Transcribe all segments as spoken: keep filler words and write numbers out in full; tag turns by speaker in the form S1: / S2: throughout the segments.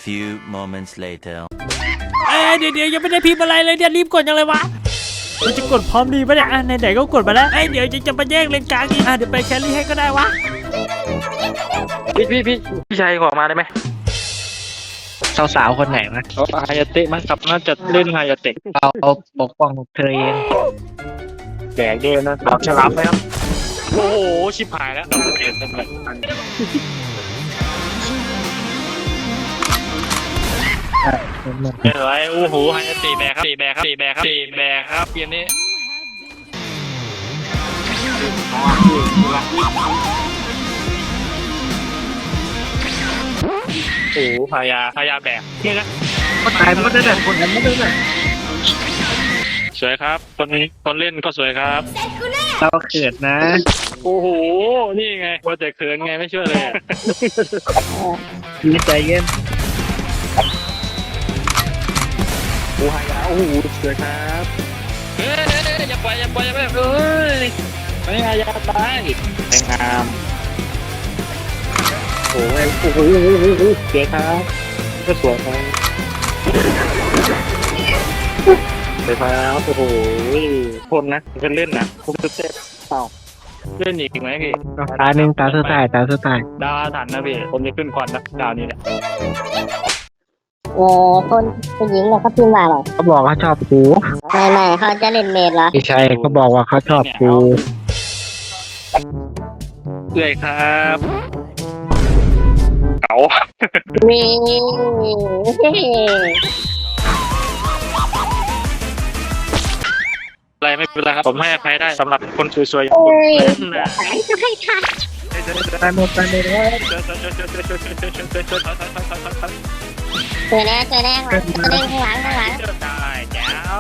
S1: few moments later
S2: เอ้ยเดี๋ยวเดี๋ยวยังไม่ได้พิมพ์อะไรเลยเนี่ยรีบกดยังเลยวะมันจะกดพร้อมดีปะเนี่ยอ่ะไหนๆก็กดมาแล้วเอ้ยเดี๋ยวจะจะมาแย่งเลนกลางอีกอ่ะเดี๋ยวไปแครี่ให้ก็ได้วะ
S3: พี่พี่พี่พี่ชายขอมาได้ไหม
S4: สาวๆคนไหนวะ
S3: เอาฮายาเตะมั้งครับน่าจะเล่นฮายาเตะ
S4: เอาเอาปกป้องเธอเอง
S3: แดกด้วยนะเอาฉลามไหมครับโอ้โหชิบหายแล้วดับเบิลเอ็นทำไรเป็นไรโอ้โหฮายาเตะแบกครับตีแบกครับตีแบกครับตีแบกครับเกมนี้โอ้โหพายาพายาแบกนี่นะ
S4: คนตายมันก็ได้คนนั้นไม่ได้เลย
S3: สวยครับคนคนเล่นก็สวยครับ
S4: เราเขินนะ
S3: โอ้โหนี่ไงว่าแต่เขินไงไม่ช่วยเลย
S4: มีใจเย็น
S3: โอ้ยโอ้โหสวยครับเฮ้ยอย่าปล่อยอย่าปล่อยอย่าปล่อยเอ้ยไม่อายาตายแรงงามโอ้ยโอ้โหสวยครับก็สวยครับสวยครับโอ้โหคนนะเป็นเล่นนะผมจะเต้นเปล่าเล่นอีกไหมพี่
S4: ตาหนึ่งตาสุดท้ายตาสุดท้าย
S3: ดาวถันนะพี่ผมจะขึ้นคอนนะดาวนี้แหละ
S5: เออคนผู้หญิงเนี่ยเขาพิมพ์ว่าอะไร
S4: เขาบอกเขาชอบกู
S5: ไม่ไม่เขาจะเล่นเมดเหรอ
S4: ไม่ใช่เขาบอกว่าเขาชอบกู
S3: เอื่อยครับเก๋า
S5: นี่
S3: อะไรไม่เป็นไรครับผมให้อภัยได้สำหรับคนสวยๆ
S5: เอ้ย
S3: นะ
S5: ตายจะให้ทัน
S4: ตายหมดตายหมดแล้ว
S5: เจอแน่เจอแน่ข้างหลังข้างหลังข้างหลัง
S3: ได้แจ๋ว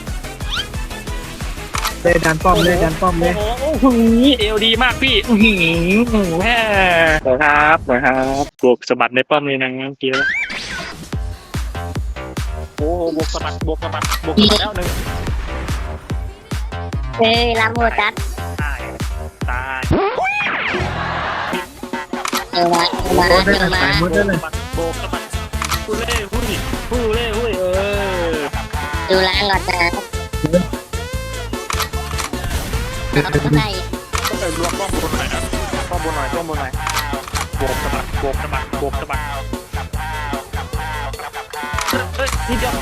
S4: เลยดันป้อมเลยดันป้อมเลย
S3: โอ้โหเอวดีมากพี่อื้อหือแม่สวยครับสวยครับบวกสะบัดในป้อมเลยนะเมื่อกี้โอ้โหบวกสะบัดบวกสะบัดบวกสะบัดแล้วหนึ่ง
S5: เฮ้ยลำโหดจัด
S3: ตายตาย
S5: เออมาเออมา
S4: โอ้
S5: เอ
S4: ได้
S5: อมา
S4: ตายหมดเลย
S3: โบกสะบัดฮูเล่หุ้ยฮูเล่หุ้ยเออ
S5: ดูแลก่อนนะเขาจะได้
S3: ก็ไปรวมป้อมบนหน่อยนะป้อมบนหน่อยป้อมบนหน่อยโบกสะบัดโบกสะบัดโบกสะบัดเฮ้ยนิดเดียว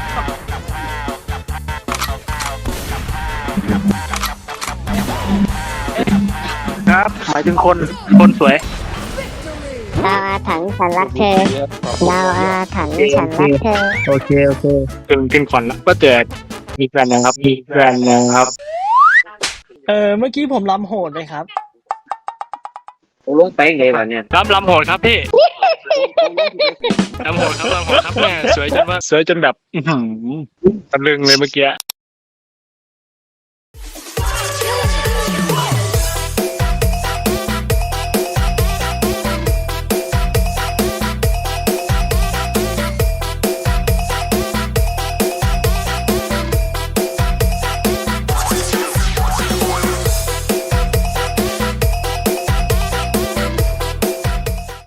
S3: ครับหมายถึงคนคนสวย
S5: ดาวอาถรรพ์ฉันรักเธอดาวอาถรรพ์ฉันรักเธอ
S4: โอเคโอเค
S3: ขึ้นขึ้นคอนแล้วก็เจอมีแฟนนะครับมีแฟนนะครับ
S2: เออเมื่อกี้ผมล้ำโหดไหมครับ
S4: ลงไปไงวะเนี่ย
S3: รับลำโหดครับพี่ลำโหดครับลำโหดครับแม่สวยจนว่าสวยจนแบบอื้อหือตะลึงเลยเมื่อกี้